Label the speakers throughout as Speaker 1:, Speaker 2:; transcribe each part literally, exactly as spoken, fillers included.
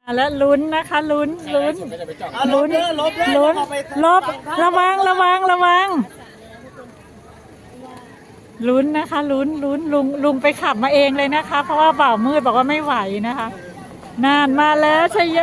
Speaker 1: แล้วลุ้นนะคะลุ้นลุ้นลุ้นลุ้นลบระวังระวังระวังลุ้นนะคะลุ้นลุ้นลุงลุงไปขับมาเองเลยนะคะเพราะว่าบ่าวมืดบอกว่าไม่ไหวนะคะนานมาแล้วชยโย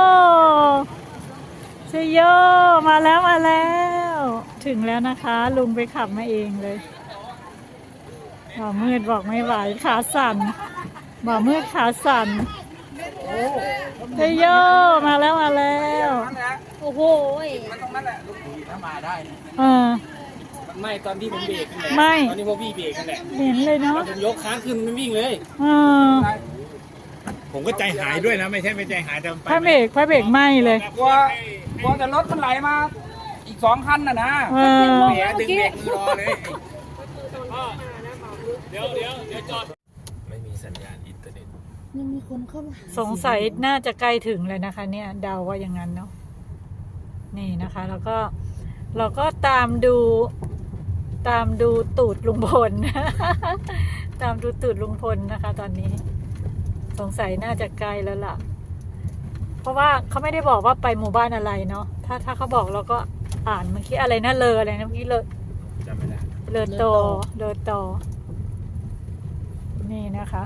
Speaker 1: ชยโยมาแล้วมาแล้วถึงแล้วนะคะลุงไปขับมาเองเลยบ่าวมืดบอกไม่ไหวขาสั่นบ่าวมืดขาสั่นชยโยมาแล้วมาแล้ว
Speaker 2: โอ้โห
Speaker 3: มันตรงนั้นแหละลูกผีถ้ามาได้
Speaker 1: เออ
Speaker 3: มันไม่ตอนที่ผมเบรกนั่นแหละ
Speaker 1: ไม่
Speaker 3: ตอนนี้พวกพี่เบรกนั่นแหละ
Speaker 1: เห็นเลยเนาะ
Speaker 3: ผมยกค้างขึ้นมันวิ่งเลย
Speaker 1: เออ
Speaker 4: ผมก็ใจหายด้วยนะไม่ใช่ไม่ใจหายแต่
Speaker 1: พระเบรกพระเบรกไหม้เลย
Speaker 3: กลัวกลัวแต่รถมันไหลมาอีกสองคันน่ะนะ
Speaker 1: เออ
Speaker 3: แหมดึงเบรกรอเลยเดี๋ยวเดี๋ยวเดี๋ยวจอดไม่มีสัญญาณอินเทอร์เน็ต
Speaker 2: ยังมีคนเข้ามา
Speaker 1: สงสัยน่าจะใกล้ถึงเลยนะคะเนี่ยเดาว่าอย่างนั้นเนาะนี่นะคะแล้วก็เราก็ตามดูตามดูตูดลุงพล ตามดูตูดลุงพลนะคะ ตอนนี้สงสัยน่าจะใกล้แล้วล่ะเพราะว่าเขาไม่ได้บอกว่าไปหมู่บ้านอะไรเนาะถ้าถ้าเขาบอกเราก็อ่านเมื่อกี้อะไรนะเลออะไรนะเมื่อกี้เลอ
Speaker 4: จำไม่ได้
Speaker 1: เลอโตเลอโตนี่นะคะ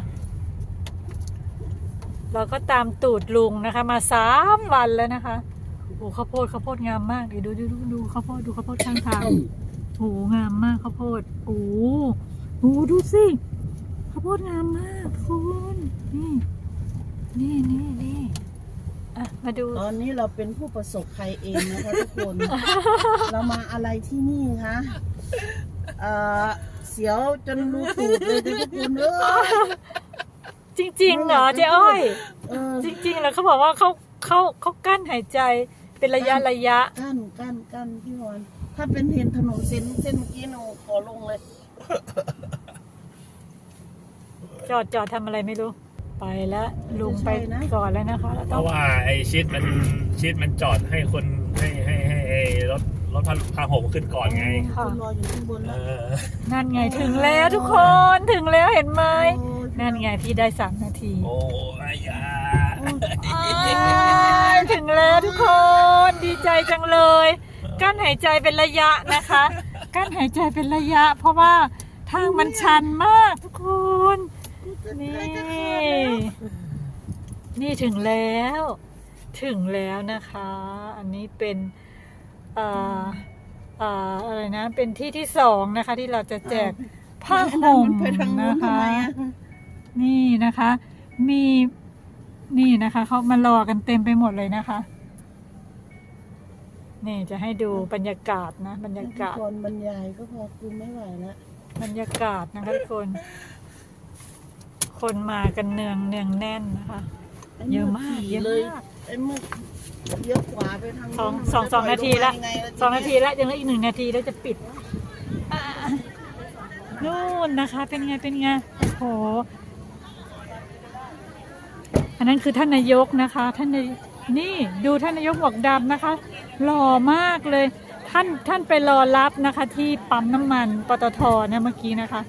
Speaker 1: เราก็ตามตูดลุงนะคะมาสามวันแล้วนะคะโอ้ข้าวโพดข้าวโพดงามมากเดี๋ยวดูดูดูดูข้าวโพดดูข้าวโพดข้างทางโอ้งามมากข้าวโพดโอ้โหดูสิข้าวโพดงามมากคุณนี่นี่นี่นี่อ่ะมาดู
Speaker 2: ตอนนี้เราเป็นผู้ประสบภัยเองนะคะทุกคน เรามาอะไรที่นี่คะเอ่อเสียวจนรูตูดเลยทุกคนเออ
Speaker 1: จริงๆเหรอเจ๊อ้อยจริงๆแล้วเขาบอกว่าเขาเขาเขากั้นหายใจเป็นระยะระยะ
Speaker 2: กั้นกั้นกั้นพี่วอนถ้าเป็นเห็นถนนเส้นเส้นเมื่อกี้หนูขอลงเลย
Speaker 1: จอดจอดทำอะไรไม่รู้ไปแล้วลุงไปก่อนแล้วนะคะ
Speaker 4: เพราะว่าไอ้ชิดมันชิดมันจอดให้คนให้ให้ให้รถรถพาพาหงขึ้นก่อนไง
Speaker 2: คนรออยู่ข้างบนแล้ว
Speaker 1: นั่นไงถึงแล้วทุกคนถึงแล้วเห็นไหมนั่นไงพี่ได้สามนาที
Speaker 4: โอ้ยยา
Speaker 1: ถึงแล้วทุกคนดีใจจังเลยกั้นหายใจเป็นระยะนะคะกั้นหายใจเป็นระยะเพราะว่าทางมันชันมากทุกคนนี่นี่ถึงแล้วถึงแล้วนะคะอันนี้เป็นอ่าอ่าอะไรนะเป็นที่ที่สองนะคะที่เราจะแจกผ้าห่มนะคะนี่นะคะมีนี่นะคะเขามารอกันเต็มไปหมดเลยนะคะนี่จะให้ดูบรรยากาศนะบรรยากาศ
Speaker 2: คนบรรยายก็พอคุณไม่ไหวแล้ว
Speaker 1: บรรยากาศนะคะทุกคนคนมากันเนืองเนืองแน่นนะคะเยอะมากเยอะมาก
Speaker 2: ไอ้มือเยอะกว่าไปทาง
Speaker 1: สองสองสองนาทีละสองนาทีละยังเหลืออีกหนึ่งนาทีแล้วจะปิดนู่นนะคะเป็นไงเป็นไงโอ้โหอันนั้นคือท่านนายกนะคะท่านนายนี่ดูท่านนายกหมวกดำนะคะหล่อมากเลยท่านท่านไปรอรับนะคะที่ปั๊มน้ำมันปตทนะเมื่อกี้นะคะ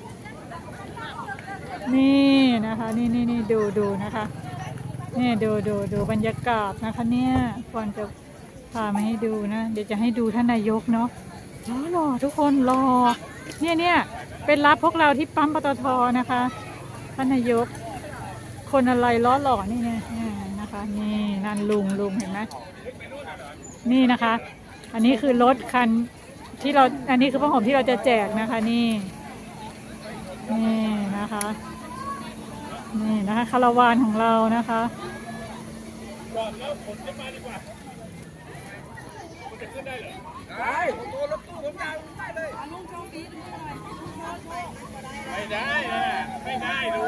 Speaker 1: นี่นะคะนี่นี่นี่ดูดูนะคะนี่ดูดูดูบรรยากาศนะคะเนี่ยก่อนจะพามาให้ดูนะเดี๋ยวจะให้ดูท่านนายกเนาะรอรอทุกคนรอเนี่ยเนี่ยเป็นรับพวกเราที่ปั๊มปตทนะคะท่านนายกคนอะไรล้อหล่อนี่ไงนะคะนี่นั่นลุงลุงเห็นไหมนี่นะคะอันนี้คือรถคันที่เราอันนี้คือผ้าห่มที่เราจะแจกนะคะนี่นี่นะคะนี่นะคะคาราวานของเรานะคะ
Speaker 3: ได้ตัวรถตู้ผมยาวได้เลยไม่ได้ไม่ได้ดู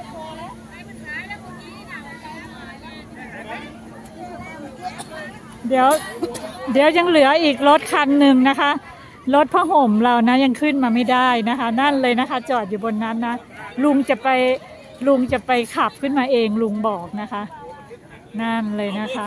Speaker 1: เดี๋ยวเดี๋ยวยังเหลืออีกรถคันหนึ่งนะคะรถผ้าห่มเรานะยังขึ้นมาไม่ได้นะคะนั่นเลยนะคะจอดอยู่บนนั้นนะลุงจะไปลุงจะไปขับขึ้นมาเองลุงบอกนะคะนั่นเลยนะคะ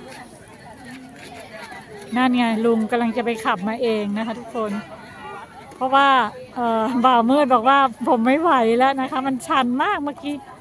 Speaker 1: นั่นไงลุงกำลังจะไปขับมาเองนะคะทุกคนเพราะว่าเอ่อบ่าวมืดบอกว่าผมไม่ไหวแล้วนะคะ มันชันมากเมื่อกี้